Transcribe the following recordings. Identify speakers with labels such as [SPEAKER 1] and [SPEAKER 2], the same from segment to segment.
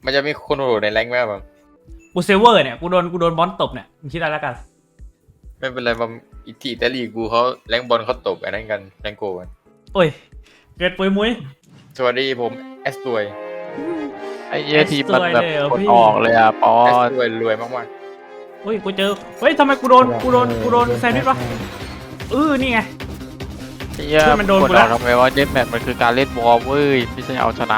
[SPEAKER 1] มันจะมีคนโหดในแรงค์ไหมแบบ
[SPEAKER 2] กูเซเวอร์เนี่ยกูโดนบอลตบเนี่ยมึงคิดอะไรแล้วกัน
[SPEAKER 1] ไม่เป็นไรบางอิตาลีกูเขาแรงค์บอลเขาตบไอ้นั่นกันแรงค์โกกัน
[SPEAKER 2] โอ้ยเกิดปุยมุ้ย
[SPEAKER 1] สวัสดีผมแอสตวย
[SPEAKER 3] ไอ้เหี้ยทีมมันแบบ
[SPEAKER 2] เลยเหรอก
[SPEAKER 3] ด
[SPEAKER 2] พี่
[SPEAKER 3] ออกเลยอ่ะปอ
[SPEAKER 1] แอส
[SPEAKER 3] น
[SPEAKER 1] ตวยรวยมาก
[SPEAKER 2] เฮ้ยกูเจอเฮ้ยทำไมกูโดนแซนด์วิชวะนี่ไง
[SPEAKER 3] ไอ้เหี้ย
[SPEAKER 2] เพื่อนมันโดน
[SPEAKER 3] ก
[SPEAKER 2] กู
[SPEAKER 3] ด
[SPEAKER 2] แล้
[SPEAKER 3] อ
[SPEAKER 2] ว
[SPEAKER 3] อกทำไมว่าเดนแมทมันคือการเล่นวอลเว้ยไม่ใช่เอาชนะ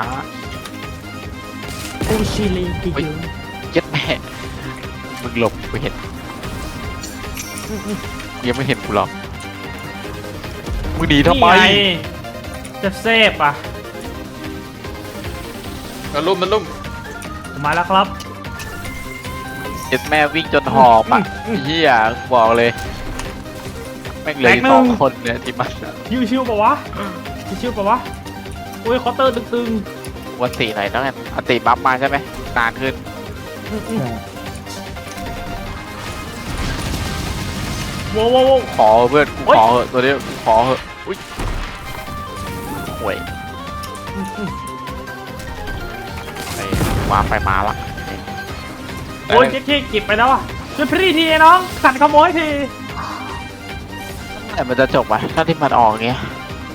[SPEAKER 2] กูชิลีกิ
[SPEAKER 3] เฮ้ย
[SPEAKER 2] ยู
[SPEAKER 3] เจ็ดแม่มึงหลบกูเห็นยังไม่เห็นกูหรอกมึงหนีทำไม
[SPEAKER 2] นี่งจะเซฟอ่ะ
[SPEAKER 1] ๆมันลุ่ม
[SPEAKER 2] ผมมาแล้วครับ
[SPEAKER 3] เจ็ดแม่วิ่งจนหอบอ่ะไอ้เหี้ยบอกเลยแม่งเหลย
[SPEAKER 2] แตกหนึ่ง
[SPEAKER 3] สองคนเนี่ยที่มัน
[SPEAKER 2] ชิวปะวะชิวปะวะโอ้ยเคาน์เตอร์ตึง
[SPEAKER 3] วันตีไหนต้องอันตีบัฟมาใช่ไหมนานขึ้น
[SPEAKER 2] โว้ว
[SPEAKER 3] ขอเพื่อนกู
[SPEAKER 2] โอ๊ย
[SPEAKER 3] ขอเหอะตัวนี้กูขอเหอะอุ้ยห่วยไอ้ว้าไปมาละ
[SPEAKER 2] โอ้ยเจ๊เก็บไปแล้วอ่ะช่วยพี่ทีน้องสั่นขโมยที
[SPEAKER 3] แต่มันจะจบวะถ้าที่มันออกเงี้ย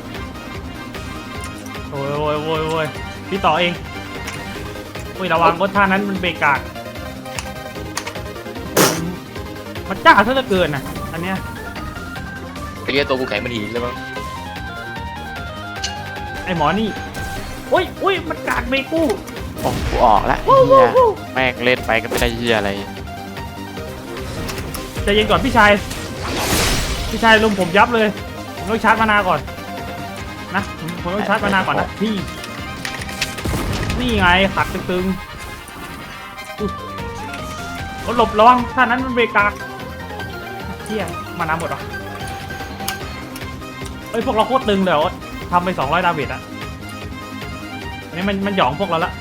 [SPEAKER 2] โอ้ยพี่ต่อเองโอ้ยระวังรถท่านั้นมันเบรกกากมันจ้าซะเหลือเกินนะอันเนี้ย
[SPEAKER 1] ไอ้เหี้ยตัวกูแข็งมันหินเลยมั้ง
[SPEAKER 2] ไอหมอนี่โอ้ยมันกากเบรกกู
[SPEAKER 3] โอ้กูออกแล้ว
[SPEAKER 2] วู้
[SPEAKER 3] เฮีย
[SPEAKER 2] วู้
[SPEAKER 3] แม่งเล่นไปก็ไม่ได้เฮียอะไร
[SPEAKER 2] ใจเย็นก่อนพี่ชายลุมผมยับเลยผมต้องชาร์จมานาก่อนนะผมต้องชาร์จมานาก่อนนะพี่นี่ไงขัดตึงๆอุ๊ยหลบระวังท่านั้นมันเบรกกากเที่ยมานาหมดเหรอเฮ้ยพวกเราโคตรตึงเลยโอ๊ตทำไป200ดาเมจอะอันนี้มันหยองพวกเราละ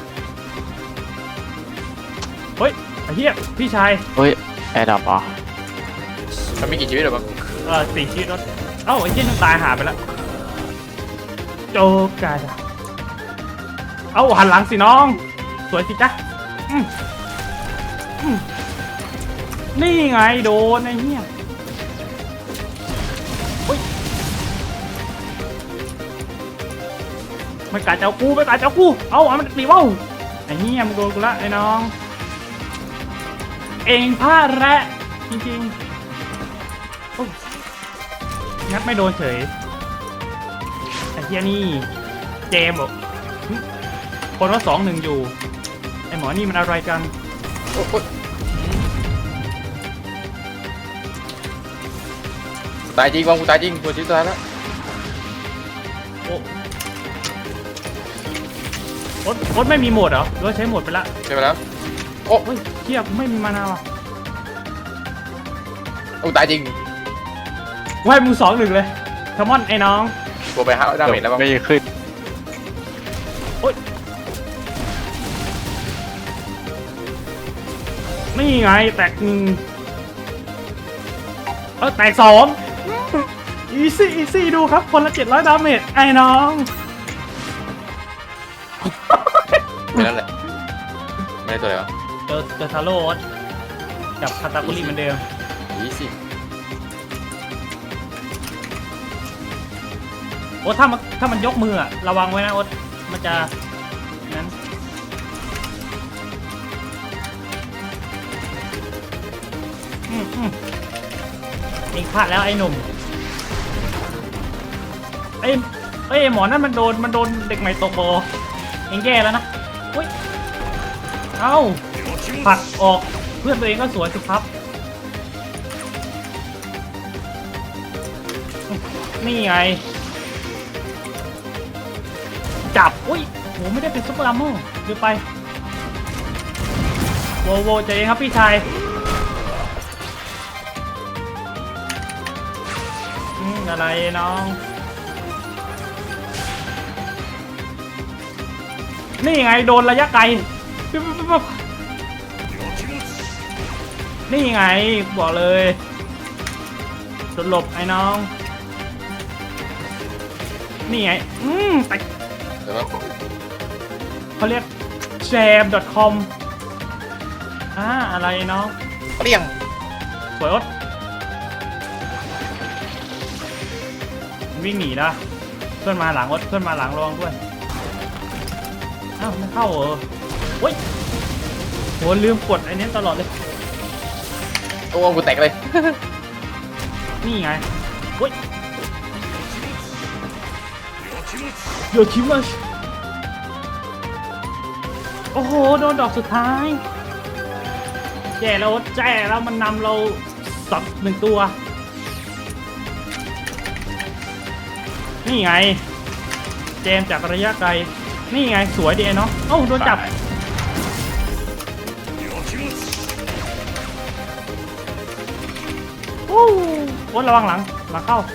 [SPEAKER 2] เฮ้ยไอ้เหี้ยพี่ชาย
[SPEAKER 3] เฮ้ยแอร์ดับอ่ะ
[SPEAKER 1] มันมีกี่ชีวิตหรอมั้ง
[SPEAKER 2] 4 ชีวิตรถเอ้าไอ้เหี้ยนึงตายหาไปแล้วโจกาดาเอ้าหันหลังสิน้องสวยสิจ๊ะอืมนี่ไงโดนไอ้เหี้ยเฮ้ยไม่กล้าเจ้ากูเอ้ามันตีเว้าไอ้เหี้ยมึงโดนกูละไอ้น้องเองพลาดแระจริงๆโอ้งัดไม่โดนเฉยไอ้เหี้ยนี่เจมส์บอกคนว่า2-1อยู่ไอ้หมอนี่มันอะไรกัน
[SPEAKER 1] โอ้ยตายจริงวางกูตายจริงตัวชีวิตตายแล้ว
[SPEAKER 2] โอ๊ตไม่มีโหมดเหรอหรือว่าใช้โหมดไปละ
[SPEAKER 1] ใช่ไหมแล้ว
[SPEAKER 2] เฮ้ยเทียบไม่มีมานาว่ะ
[SPEAKER 1] โอ้ตายจริง
[SPEAKER 2] ว่ายมึง2-1เลยคามอนไอ้น้อง
[SPEAKER 1] ตัวไป5ดาเมจแล้วมั้ง
[SPEAKER 3] ไม่ขึ้น
[SPEAKER 2] นี่ไงแตก1แตก2อีซี่ดูครับคนละ700ดาเมจไอ้น้อง
[SPEAKER 1] ไม่นั่นแหละไม่ได้ตัวอะไรวะ
[SPEAKER 2] เจอทาโร่กับคาตาคุริเหมือนเดิม
[SPEAKER 1] อีสิ
[SPEAKER 2] โอ๊ตถ้ามันยกมืออะระวังไว้นะโอ๊ตมันจะนั้นเองพลาดแล้วไอ้หนุ่มไอ้หมอนั่นมันโดนเด็กใหม่ตกโบเองแย่แล้วนะอุ้ยเอ้าผัดออกเพื่อนตัวเองก็สวยสิครับนี่ไงจับอุ้ยโหไม่ได้เป็นซุปเปอร์อัมโม่เดี๋ยวไปโวใจเย็นครับพี่ชายอะไรน้องนี่ไงโดนระยะไกลนี่ไงบอกเลยสลบไอ้น้องนี่ไงแต่
[SPEAKER 1] เดี๋ยวมั้ง
[SPEAKER 2] เขาเรียก bookjam.com อะไรเนาะ
[SPEAKER 1] เรียง
[SPEAKER 2] สวยอดวิ่งหนีนะเพื่อนมาหลังอดเพื่อนมาหลังระวังด้วยอ้าวไม่เข้าเหรอโอ้ยโหลืมกดไอ้นี้ตลอดเลย
[SPEAKER 1] โอ้กูแตกเลย
[SPEAKER 2] นี่ไงโอ้ยโยชิมัสโอ้โหโดนดอกสุดท้ายแย่แล้วแย่แล้วมันนำเราสับหนึ่งตัวนี่ไงเจมจากระยะไกลนี่ไงสวยดีเนาะเอ้าโดนจับโอ้โหระวังหลังเข้า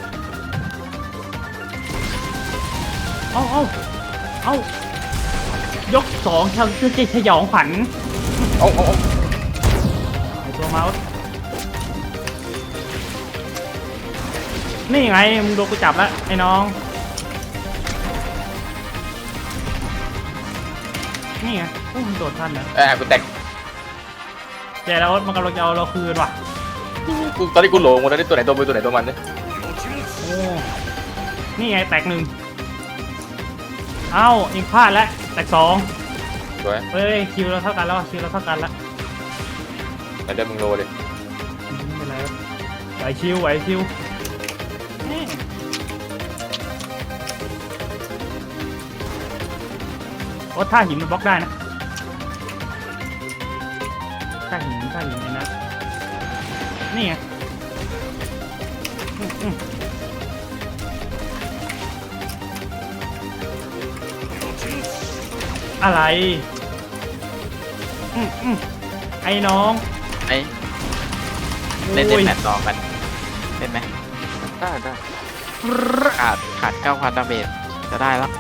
[SPEAKER 2] เอายกสองฉยองขวัญ
[SPEAKER 1] เอา
[SPEAKER 2] ไอตัวเมาส์นี่ไงมึงโดนกูจับแล้วไอ้น้องนี่ไงโอ้มันโดดทันนะ
[SPEAKER 1] กูแตก
[SPEAKER 2] แย่แล้วมันกำลังจะเอาเราคืนว่ะ
[SPEAKER 1] กูตอนนี้กูโหลงหมดแล้วนี่ตัวไหนตัวมือตัวไหนตัวมันเนี่ย
[SPEAKER 2] โอ้นี่ไงแตกหนึ่งเอ้าเองพลาดแล้วแตกสอง
[SPEAKER 1] สวย
[SPEAKER 2] เฮ้ยคิวเราเท่ากันแล้วคิวเราเท่ากันแล้ว
[SPEAKER 1] แต่เดิมมึงโลเลย
[SPEAKER 2] ไม่เป็นไรครับไหวชิวนี่โอ้ท่าหินมันบล็อกได้นะท่าหินไอ้นะนี่ไงอะไรไอ้น้อง
[SPEAKER 3] ไอ้เล่นแมตช์ต่อกันเล่นไหม
[SPEAKER 1] ได้
[SPEAKER 3] ขาด 9,000 ดาเมจจะได้แล้ว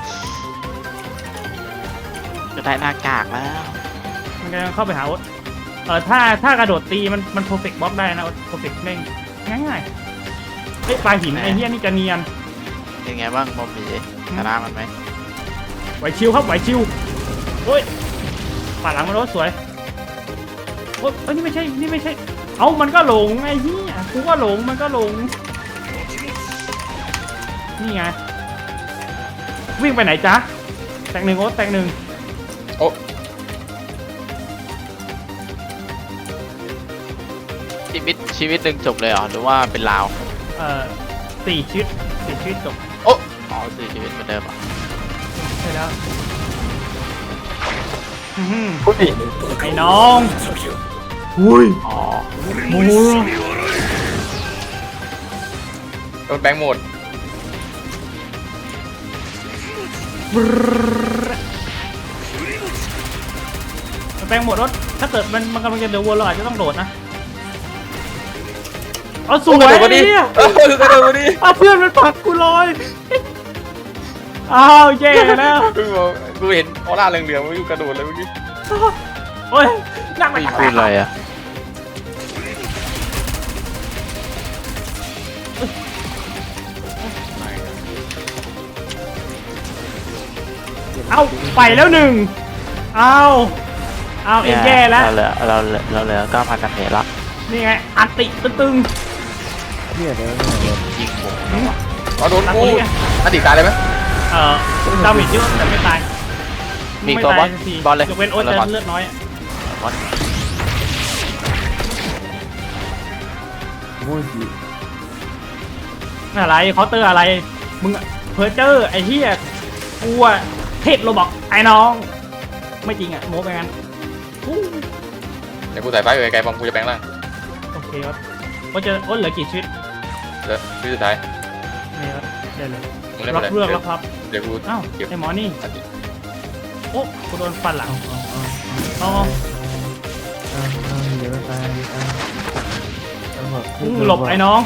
[SPEAKER 3] จะได้หน้ากากแล้ว
[SPEAKER 2] มันกำลังเข้าไปหาโอ๊ตถ้ากระโดดตีมันโปรเฟกต์บล็อกได้นะโอ๊ตโปรเฟกต์เด้งง่ายๆเฮ้ยปลาหินไอ้เหี้ยนี่จะเนียน
[SPEAKER 3] เป็นไงบ้างบอมบี้ชนะมันไหม
[SPEAKER 2] ไหวชิวครับไหวชิวโอ้ยปาดหลังมันรถสวยโอ๊ยนี่ไม่ใช่เอามันก็หลงไอ้เหี้ยกูก็หลงมันก็หลงนี่ไงวิ่งไปไหนจ๊ะแตกหนึ่งโอ๊ตแตกหนึ่ง
[SPEAKER 1] โอ้
[SPEAKER 3] ชีวิตหนึ่งจบเลยเหรอหรือว่าเป็นลาว
[SPEAKER 2] สี่ชีวิตจบ
[SPEAKER 1] โอ้
[SPEAKER 3] อ๋อ4 ชีวิตเหมือนเดิมอ่ะ
[SPEAKER 2] ใช่แล้ว
[SPEAKER 1] พูดดิ
[SPEAKER 2] ไอ้น้องอุ้ย
[SPEAKER 3] อ๋อ
[SPEAKER 2] โอ้
[SPEAKER 1] โดนแบงค์หมด
[SPEAKER 2] แปลงหมดรถถ้าเกิดมันกำลังจะเดือดวนเราอาจจะต้องโดดนะเอาสวย
[SPEAKER 1] กระโดดมาดิ
[SPEAKER 2] เนี่ย
[SPEAKER 1] กระโดดมาดิ
[SPEAKER 2] เอาเพื่อนมันปักกูลอยอ้าวแย่แล้ว
[SPEAKER 1] กูเห็นออร่าเหลืองๆมันอยู่กระโดดเลยเมื่อกี้
[SPEAKER 2] โอ้ยนั่งไป
[SPEAKER 3] ไม่พูดอะไรอ่ะ
[SPEAKER 2] เอาไปแล้วหนึ่งเอาเอ็งแย่แล้ว
[SPEAKER 3] เราเหลือ 9,000 ดาเมจละ
[SPEAKER 2] นี่ไงอันติตึง
[SPEAKER 3] ยิงผม
[SPEAKER 1] อ๋อโดนกูอดีตตายเลยไหม
[SPEAKER 2] ดาเมจเยอะแต่ไม่ตาย
[SPEAKER 3] มีตัวบอล
[SPEAKER 2] ไม่ตายสักที
[SPEAKER 3] บอลเลย
[SPEAKER 2] ยกเว้นโอ๊ตจะเลือดน้อย
[SPEAKER 3] บอล
[SPEAKER 2] อะไรเคาน์เตอร์อะไรมึงเพอร์เจอร์ไอ้เหี้ยกูอะเทพโรบอกไอ้น้องไม่จริงอะโม้ไปงั้นอู้
[SPEAKER 1] เดี๋ยวกูใส่ไฟไกลๆบอมกูจะแปลงร่าง
[SPEAKER 2] โอเคครับโอ๊ตเหลือกี่ชีวิต
[SPEAKER 1] เดี๋ยวชีวิตสุดท้าย
[SPEAKER 2] นี่ครับได้เลย
[SPEAKER 1] มึงเล่น
[SPEAKER 2] รั
[SPEAKER 1] ไป
[SPEAKER 2] บ
[SPEAKER 1] เลย
[SPEAKER 2] เลือกแล้วครับ
[SPEAKER 1] เดี๋ยวกู
[SPEAKER 2] อ้าว
[SPEAKER 1] เก็บ
[SPEAKER 2] ไอ้หมอนี่
[SPEAKER 1] อดีต
[SPEAKER 2] โอ้กูโดนฟันหลังอ๋อหลบไอ้น้อง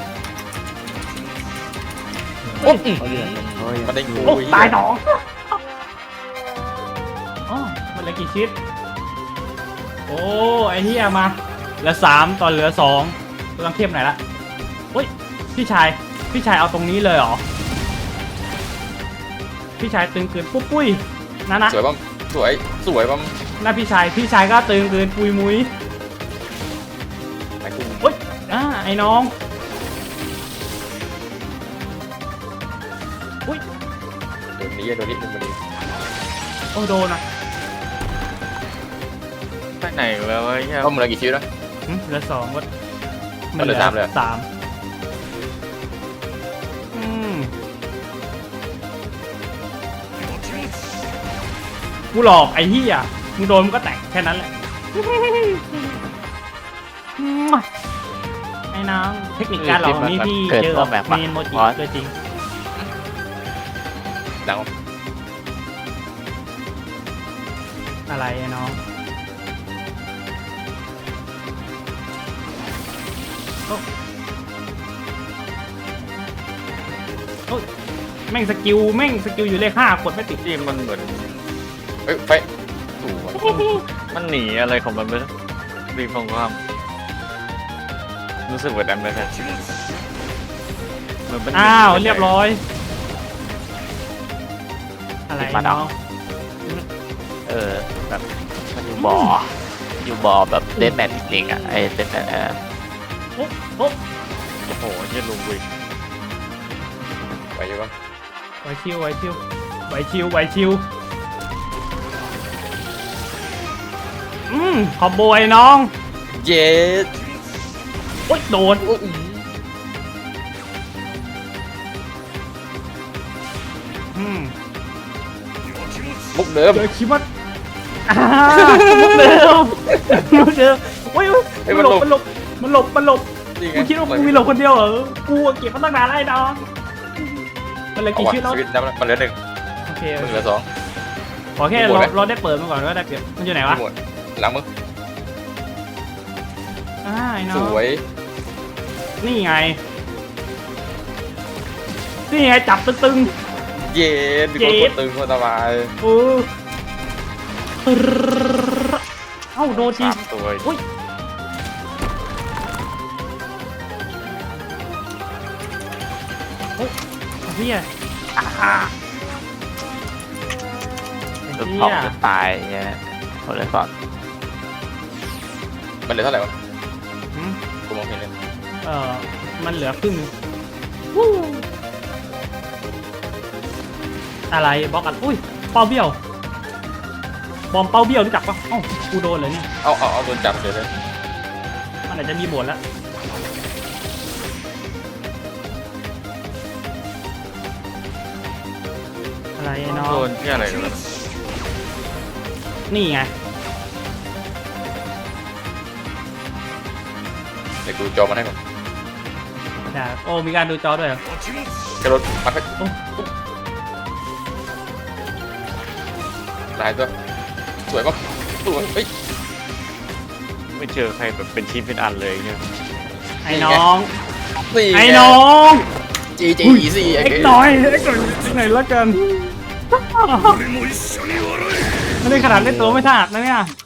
[SPEAKER 1] โอ้มันได้กู
[SPEAKER 2] โอ้ตายน้องอ๋อมันเหลือกี่ชีวิตโอ้ไอ้เหี้ยมาเหลือ3ตอนเหลือ2ตัวต้องเข้มหน่อยละเฮ้ยพี่ชายเอาตรงนี้เลยเหรอพี่ชายตึงเกินปุ้ยนะ
[SPEAKER 1] สวยบอมสวยสวยปั๊ม
[SPEAKER 2] หน้าพี่ชายก็ตึงเกินปุยมุ้ย
[SPEAKER 1] ไอ้กู
[SPEAKER 2] โอ๊ยไอ้น้องอุ้ย
[SPEAKER 1] โดนนี้โดนนี้โดนนี้
[SPEAKER 2] โอ้โดนอ่ะ
[SPEAKER 3] ไปไหนแล้ววะเหี้ย
[SPEAKER 1] ต้องมึงเหลือกี่ชีวิตนะ
[SPEAKER 2] เหลือสองวัด
[SPEAKER 1] มันเหลือสามเลยเหรอ
[SPEAKER 2] สามอืมกูหลอกไอ้เหี้ยมึงโดนมึงก็แตกแค่นั้นแหละไอ้น้องเทคนิคการหลอกนี่พี่เจอกับเมนโมจิตัวจริง
[SPEAKER 1] ดัง
[SPEAKER 2] อะไรไอ้น้องโอ้ยแม่งสกิลอยู่เลข5กดไม่ติด
[SPEAKER 3] ที่มันเหมือน
[SPEAKER 1] เฮ้ยไฟสวย
[SPEAKER 3] มันหนีอะไรของมันไปรีบของความรู้สึกแบบนั้นไหมครับมันเป็น
[SPEAKER 2] อ้าวเรียบร้อยอะไรไอ้น้อง
[SPEAKER 3] แบบมันอยู่บ่อแบบเดนแมทจริงๆอ่ะไอ้เดนแมท
[SPEAKER 2] โอ้
[SPEAKER 3] โอ้โหเหี้ยลุงวิ
[SPEAKER 1] ไปอยู่ปั๊ม
[SPEAKER 2] ไหวชิวขอบโบยน้อง
[SPEAKER 1] เย็ด
[SPEAKER 2] โอ๊ยโดน
[SPEAKER 1] มุกเดิม
[SPEAKER 2] เดี๋ยวคิดว่ามุกเดิมโอ้ยมันหลบ
[SPEAKER 1] นี่ไง
[SPEAKER 2] กูคิดว่ากูมีหลบคนเดียวเหรอกูเก็บมาตั้งนานแล้วไอ้น้องมันเหลยกี่ชีวิตแล้ว
[SPEAKER 1] ชีวิตนับมันเหลือหนึ่ง
[SPEAKER 2] โอเค
[SPEAKER 1] มึงเหลือสอง
[SPEAKER 2] ขอแค่
[SPEAKER 1] มีหมดไหม
[SPEAKER 2] เราได้เปิดมาก่อนก็ได้เปรียบมันอยู่ไหนวะ
[SPEAKER 1] หมดหลังมึง
[SPEAKER 2] ไอ้น้
[SPEAKER 1] ส
[SPEAKER 2] อง
[SPEAKER 1] วย
[SPEAKER 2] นี่ไงจับตึง
[SPEAKER 1] เย็ดมีคนกดตึงคนสบาย
[SPEAKER 2] เอ้าโดนที
[SPEAKER 3] 3 ตัว
[SPEAKER 2] อุ้ยเฮีย
[SPEAKER 3] ตัวของจะตายเนี่ยคนเลยก่อน
[SPEAKER 1] มันเหลือเท่าไหร่วะกูมองเห็นเลย
[SPEAKER 2] มันเหลือครึ่งนึงอะไรบล็อกอันอุ้ยเป้าเบี้ยวบอมเป้าเบี้ยวรู้จักปะเอ้ากูโดนเลยเนี่ย
[SPEAKER 1] เอาโดนจับเฉยเลย
[SPEAKER 2] มันอาจจะมีบทแล้วอะไรเนาะ
[SPEAKER 3] โดนที่อะไรกันวะ
[SPEAKER 2] นี่ไง
[SPEAKER 1] เดี๋ยวกูจอมันให้ก่อน
[SPEAKER 2] โอ้มีการดูจอด้วยเหรอก
[SPEAKER 1] ระโดดมาให้ตายตัวสวยปะสวยเฮ้ย
[SPEAKER 3] ไม่เจอใครแบบเป็นชิ้นเป็นอันเลยเนี่ย
[SPEAKER 2] ไอ้น้อง
[SPEAKER 1] สี่
[SPEAKER 2] ไอ้น้อง
[SPEAKER 1] จีสี่
[SPEAKER 2] เอ็กหน่อยละกันไม่ได้ขนาดเล่นตัวไม่ถนัดนะเนี่ย